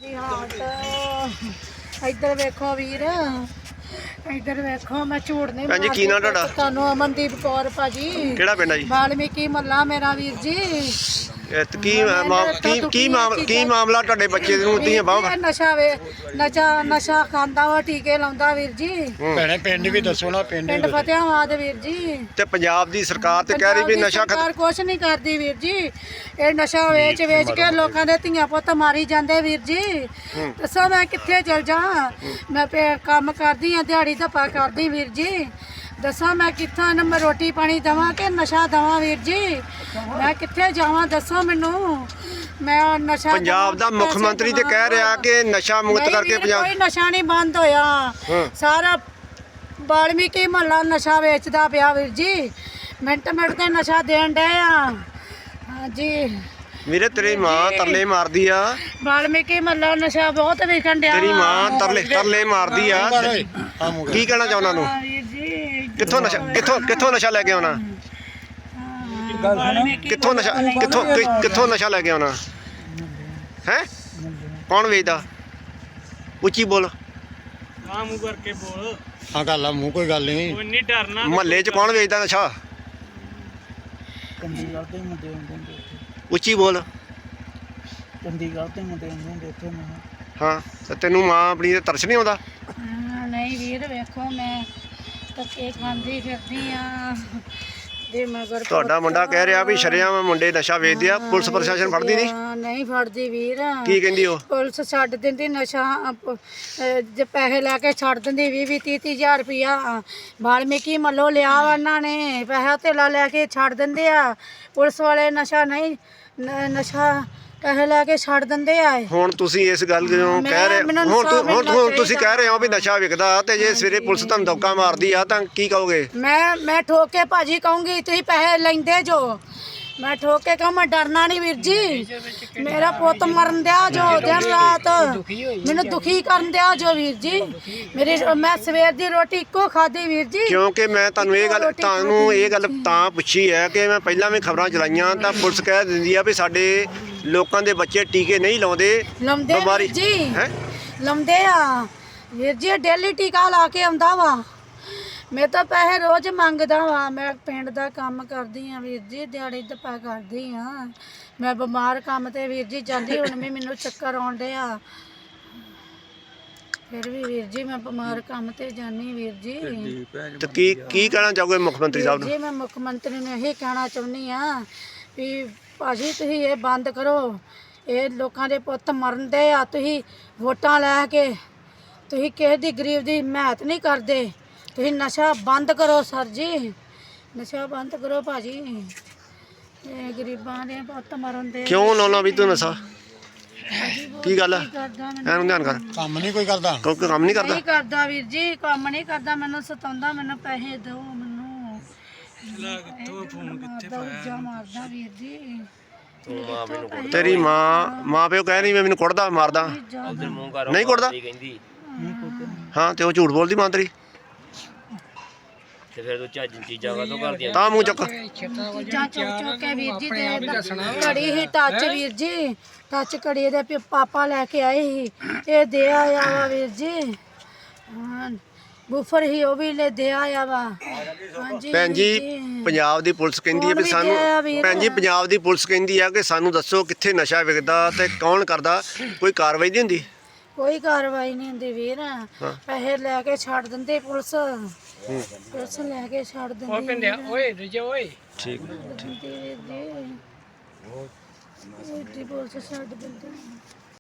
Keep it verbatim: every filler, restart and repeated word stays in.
ਇੱਧਰ ਵੇਖੋ ਵੀਰ, ਇੱਧਰ ਵੇਖੋ ਮੈਂ ਝੂਠ ਨਹੀਂ ਭੈਣ ਜੀ ਕੀ ਨਾਂ ਤੁਹਾਡਾ? ਤੁਹਾਨੂੰ ਅਮਨਦੀਪ ਕੌਰ ਭਾਜੀ। ਕਿਹੜਾ ਪਿੰਡ ਆ ਜੀ? ਵਾਲਮੀਕੀ ਮਹੱਲਾ ਮੇਰਾ ਵੀਰ ਜੀ। ਇਹ ਤੇ ਕੀ ਮਾ- ਕੀ ਕੀ ਮਾਮਲਾ ਕੀ ਮਾਮਲਾ ਤੁਹਾਡੇ ਬੱਚੇ ਨੂੰ ਦੀਆਂ ਬਾਹਾਂ? ਇਹ ਨਸ਼ਾ ਵੇ ਨਸ਼ਾ ਨਸ਼ਾ ਖਾਂਦਾ ਵਾ, ਟੀਕੇ ਲਾਉਂਦਾ ਵੀਰ ਜੀ। ਭੈਣੇ ਪਿੰਡ ਵੀ ਦੱਸੋ ਨਾ। ਪਿੰਡ ਪਿੰਡ ਫਤਿਆਬਾਦ ਵੀਰ ਜੀ। ਤੇ ਪੰਜਾਬ ਦੀ ਸਰਕਾਰ ਤੇ ਕਹਿ ਰਹੀ ਵੀ ਨਸ਼ਾ ਖਤਮ। ਸਰਕਾਰ ਕੁਛ ਨਹੀਂ ਕਰਦੀ ਵੀਰ ਜੀ। ਇਹ ਨਸ਼ਾ ਵੇਚ ਵੇਚ ਕੇ ਲੋਕਾਂ ਦੇ ਧੀਆਂ ਪੁੱਤ ਮਾਰੀ ਜਾਂਦੇ ਵੀਰ ਜੀ। ਦੱਸੋ ਮੈਂ ਕਿੱਥੇ ਚਲ ਜਾ? ਮੈਂ ਪੇ- ਕੰਮ ਕਰਦੀ ਆ, ਦਿਹਾੜੀ ਧੱਪਾ ਕਰਦੀ ਵੀਰ ਜੀ। ਦੱਸੋ ਮੈਂ ਕਿੱਥੋਂ ਇਹਨਾਂ ਮੈਂ ਰੋਟੀ ਪਾਣੀ ਦੇਵਾਂ ਕਿ ਨਸ਼ਾ ਦੇਵਾਂ ਵੀਰ ਜੀ? ਮੈਂ ਕਿੱਥੇ ਜਾਵਾਂ ਦੱਸੋ ਮੈਨੂੰ? ਮੈਂ ਨਸ਼ਾ ਪੰਜਾਬ ਦਾ ਮੁੱਖ ਮੰਤਰੀ ਤੇ ਕਹਿ ਰਿਹਾ ਕਿ ਨਸ਼ਾ ਮੁਕਤ ਕਰਕੇ ਪੰਜਾਬ ਕੋਈ ਨਸ਼ਾ ਨਹੀਂ ਬੰਦ ਹੋਇਆ। ਸਾਰਾ ਵਾਲਮੀਕੀ ਮਹੱਲਾ ਨਸ਼ਾ ਵੇਚਦਾ ਪਿਆ ਵੀਰ ਜੀ। ਮਿੰਟ ਮਿੰਟ ਤੇ ਨਸ਼ਾ ਦੇਣ ਡਏ ਆ। ਹਾਂਜੀ ਵੀਰੇ ਤੇਰੀ ਮਾਂ ਤਰਲੇ ਮਾਰਦੀ ਆ। ਵਾਲਮੀਕੀ ਮਹੱਲਾ ਨਸ਼ਾ ਬਹੁਤ ਵਿਕਣ ਡਿਆ। ਤੇਰੀ ਮਾਂ ਤਰਲੇ ਤਰਲੇ ਮਾਰਦੀ ਆ। ਕੀ ਕਹਿਣਾ ਚਾਹੁੰਦਾ ਤੂੰ? ਵੀਰ ਜੀ ਕਿੱਥੋਂ ਨਸ਼ਾ ਕਿੱਥੋਂ ਕਿੱਥੋਂ ਨਸ਼ਾ ਲੈ ਕੇ ਆਉਣਾ? ਕਿੱਥੋਂ ਨਸ਼ਾ ਕਿੱਥੋਂ ਕਿ- ਕਿੱਥੋਂ ਨਸ਼ਾ ਲੈ ਕੇ ਆਉਣਾ ਹੈ? ਕੌਣ ਵੇਚਦਾ? ਉੱਚੀ ਬੋਲ। ਆ ਮੂੰਹ ਕਰਕੇ ਬੋਲ। ਹਾਂ ਗੱਲ ਆ ਮੂੰਹ ਕੋਈ ਗੱਲ ਨਹੀਂ। ਕੋਈ ਨਹੀਂ ਡਰਨਾ। ਮਹੱਲੇ 'ਚ ਕੌਣ ਵੇਚਦਾ ਨਸ਼ਾ? ਚੰਡੀਗੜ੍ਹ ਦੇ ਮੁੰਡੇ ਹੁੰਦੇ ਨੇ ਇੱਥੇ। ਉੱਚੀ ਬੋਲ। ਚੰਡੀਗੜ੍ਹ ਦੇ ਮੁੰਡੇ ਹੁੰਦੇ ਨੇ ਇੱਥੇ। ਮੈਂ ਹਾਂ ਤੇ ਤੈਨੂੰ ਮਾਂ ਆਪਣੀ ਤੇ ਤਰਸ ਨਹੀਂ ਆਉਂਦਾ? ਹਾਂ, ਨਹੀਂ ਵੀਰ ਵੇਖੋ ਮੈਂ ਧੱਕੇ ਖਾਂਦੀ ਫਿਰਦੀ ਆ ਦੇ ਮਗਰ। ਤੁਹਾਡਾ ਮੁੰਡਾ ਕਹਿ ਰਿਹਾ ਵੀ ਸ਼ਰੇਆਮ ਮੁੰਡੇ ਨਸ਼ਾ ਵੇਚਦੇ ਆ, ਪੁਲਿਸ ਪ੍ਰਸ਼ਾਸਨ ਫੜਦੀ ਨਹੀਂ? ਹਾਂ, ਨਹੀਂ ਫੜਦੀ ਵੀਰ। ਕੀ ਕਹਿੰਦੀ ਉਹ? ਪੁਲਿਸ ਛੱਡ ਦਿੰਦੀ ਨਸ਼ਾ। ਅਹ, ਜੇ ਪੈਸੇ ਲੈ ਕੇ ਛੱਡ ਦਿੰਦੀ ਵੀਹ ਵੀਹ ਤੀਹ ਤੀਹ ਹਜ਼ਾਰ ਰੁਪਈਆ। ਵਾਲਮੀਕੀ ਮੱਲੋਂ ਲਿਆ ਵਾ ਉਹਨਾਂ ਨੇ, ਪੈਸਾ ਧੇਲਾ ਲੈ ਕੇ ਛੱਡ ਦਿੰਦੇ ਆ। ਪੁਲਿਸ ਵਾਲੇ ਨਸ਼ਾ ਨਹੀਂ ਨ- ਨਸ਼ਾ ਪੈਸੇ ਲੈ ਕੇ ਛੱਡ ਦਿੰਦੇ ਆ। ਹੁਣ ਤੁਸੀਂ ਇਸ ਗੱਲ ਨੂੰ ਕਹਿ ਰਹੇ ਮੈਨੂੰ ਹੁਣ ਤੂੰ- ਹੁਣ ਇਨਸਾਫ਼ ਹੁਣ ਤੁਸੀਂ ਮਿਲਣਾ ਕਹਿ ਰਹੇ ਹੋ ਵੀ ਨਸ਼ਾ ਵਿਕਦਾ ਤੇ ਜੇ ਸਵੇਰੇ ਪੁਲਿਸ ਤੁਹਾਨੂੰ ਧੋਖਾ ਮਾਰਦੀ ਆ ਤਾਂ ਕੀ ਕਹੋਗੇ? ਮੈਂ ਮੈਂ ਠੋਕ ਕੇ ਭਾਜੀ ਕਹੂੰਗੀ ਤੁਸੀਂ ਪੈਸੇ ਲੈਂਦੇ ਜੋ। ਮੈਂ ਠੋਕ ਕੇ ਕਹਾਂ ਮੈਂ ਡਰਨਾ ਨਹੀਂ ਵੀਰ ਜੀ। ਮੇਰਾ ਪੁੱਤ ਮਰਨ ਦਿਆ ਜੋ ਦਿਨ ਰਾਤ ਮੈਨੂੰ ਦੁਖੀ ਕਰਨ ਦਿਆ ਜੋ ਵੀਰ ਜੀ। ਮੇਰੀ ਮੈਂ ਸਵੇਰ ਦੀ ਰੋਟੀ ਇੱਕੋ ਖਾਧੀ ਵੀਰ ਜੀ। ਕਿਉਂਕਿ ਮੈਂ ਤੁਹਾਨੂੰ ਇਹ ਗੱਲ ਤੁਹਾਨੂੰ ਇਹ ਗੱਲ ਤਾਂ ਪੁੱਛੀ ਹੈ ਕਿ ਮੈਂ ਪਹਿਲਾਂ ਵੀ ਖਬਰਾਂ ਚਲਾਈਆਂ ਤਾਂ ਪੁਲਿਸ ਕਹਿ ਦਿੰਦੀ ਆ ਵੀ ਸਾਡੇ ਲੋਕਾਂ ਦੇ ਬੱਚੇ ਟੀਕੇ ਨਹੀਂ ਲਾਉਂਦੇ। ਲਾਉਂਦੇ ਬਿਮਾਰੀ ਵੀਰ ਜੀ ਹੈ ਲਾਉਂਦੇ ਆ ਵੀਰ ਜੀ। ਡੇਲੀ ਟੀਕਾ ਲਾ ਕੇ ਆਉਂਦਾ ਵਾ। ਮੈਂ ਤਾਂ ਪੈਸੇ ਰੋਜ਼ ਮੰਗਦਾ ਵਾ। ਮੈਂ ਪਿੰਡ ਦਾ ਕੰਮ ਕਰਦੀ ਆ ਵੀਰ ਜੀ, ਦਿਹਾੜੀ ਧੱਪਾ ਕਰਦੀ ਆ। ਮੈਂ ਬਿਮਾਰ ਕੰਮ ਤੇ ਵੀਰ ਜੀ ਜਾਂਦੀ, ਹੁਣ ਵੀ ਮੈਨੂੰ ਚੱਕਰ ਆਉਣ ਡਿਆ। ਫਿਰ ਵੀ ਵੀਰ ਜੀ ਮੈਂ ਬਿਮਾਰ ਕੰਮ ਤੇ ਜਾਨੀ ਵੀਰ ਜੀ। ਤੇ ਕੀ ਕੀ ਕਹਿਣਾ ਚਾਹੋਗੇ ਮੁੱਖ ਮੰਤਰੀ ਸਾਹਿਬ ਨੂੰ? ਜੀ ਮੈਂ ਮੁੱਖ ਮੰਤਰੀ ਨੂੰ ਇਹੀ ਕਹਿਣਾ ਚਾਹੁੰਦੀ ਆ ਵੀ ਭਾਜੀ ਤੁਸੀਂ ਇਹ ਬੰਦ ਕਰੋ। ਇਹ ਲੋਕਾਂ ਦੇ ਪੁੱਤ ਮਰਨ ਦੇ ਆ। ਤੁਸੀਂ ਵੋਟਾਂ ਲੈ ਕੇ ਤੁਸੀਂ ਕਿਸੇ ਦੀ ਗਰੀਬ ਦੀ ਹਿਮਾਇਤ ਨਹੀਂ ਕਰਦੇ। ਤੁਸੀਂ ਨਸ਼ਾ ਬੰਦ ਕਰੋ ਸਰ ਜੀ, ਨਸ਼ਾ ਬੰਦ ਕਰੋ ਭਾਜੀ। ਇਹ ਗਰੀਬਾਂ ਦੇ ਪੁੱਤ ਮਰਨ ਦੇ। ਕਿਉਂ ਲਾਉਣਾ ਵੀ ਤੂੰ ਨਸ਼ਾ? ਕੀ ਗੱਲ ਆ? ਕਰਦਾ ਐਨੂੰ ਧਿਆਨ ਕਰ। ਕੰਮ ਨਹੀਂ ਕੋਈ ਕਰਦਾ। ਕੋਈ ਕੰਮ ਨਹੀਂ ਕਰਦਾ? ਨਹੀਂ ਕਰਦਾ ਵੀਰ ਜੀ, ਕੰਮ ਨਹੀਂ ਕਰਦਾ। ਮੈਨੂੰ ਸਤਾਉਂਦਾ, ਮੈਨੂੰ ਪੈਸੇ ਦਿਓ ਮੈਨੂੰ। ਤੂੰ ਫੋਨ ਕਿੱਥੇ ਪਾਇਆ? ਮਾਰਦਾ ਵੀਰ ਜੀ। ਤੇਰੀ ਮਾਂ ਮਾਂ ਪਿਓ ਕਹਿ ਰਹੀ ਮੈਂ ਮੈਨੂੰ ਕੁੱਟਦਾ ਮਾਰਦਾ। ਨਹੀਂ ਕੁੱਟਦਾ? ਹਾਂ ਤੇ ਉਹ ਝੂਠ ਬੋਲਦੀ ਮਾਂ ਤੇਰੀ। ਤੇ ਫਿਰ ਤੂੰ ਚੱਜ ਚੀਜ਼ਾਂ ਕਾਹਤੋਂ ਕਰਦੀਆਂ? ਤਾਂ ਮੂੰਹ ਚੱਕ। ਚੀਜ਼ਾਂ ਚੁੱਕ ਚੁੱਕ ਕੇ ਵੀਰ ਜੀ ਦੇ ਘੜੀ ਹੀ ਟੱਚ ਵੀਰ ਜੀ, ਟੱਚ ਘੜੀ ਦੇ ਪੇ ਪਾਪਾ ਲੈ ਕੇ ਆਏ ਸੀ। ਇਹ ਦੇ ਆਇਆ ਵਾ ਵੀਰ ਜੀ। ਹਾਂ ਬੂਫਰ ਹੀ ਉਹ ਵੀ ਲੈ ਦੇ ਆਇਆ ਵਾ। ਹਾਂਜੀ ਭੈਣ ਜੀ ਵੀਰ ਪੰਜਾਬ ਦੀ ਪੁਲਿਸ ਕਹਿੰਦੀ ਹੈ ਵੀ ਸਾਨੂੰ ਭੈਣ ਜੀ ਪੰਜਾਬ ਦੀ ਪੁਲਿਸ ਕਹਿੰਦੀ ਆ ਕਿ ਸਾਨੂੰ ਦੱਸੋ ਕਿੱਥੇ ਨਸ਼ਾ ਵਿਕਦਾ ਤੇ ਕੌਣ ਕਰਦਾ? ਕੋਈ ਕਾਰਵਾਈ ਨਹੀਂ ਹੁੰਦੀ? ਕੋਈ ਕਾਰਵਾਈ ਨਹੀਂ ਹੁੰਦੀ ਵੀਰ। ਪੈਸੇ ਲੈ ਕੇ ਛੱਡ ਦਿੰਦੇ ਪੁਲਿਸ। ਪੁਲਿਸ ਲੈ ਕੇ ਛੱਡ ਦਿੰਦੀ। ਉਹ ਪਿੰਡਿਆ ਓਏ ਰਜੇ ਓਏ। ਠੀਕ ਵੀਰ ਜੀ ਉਹ ਪੁਲਿਸ ਛੱਡ ਦਿੰਦੇ।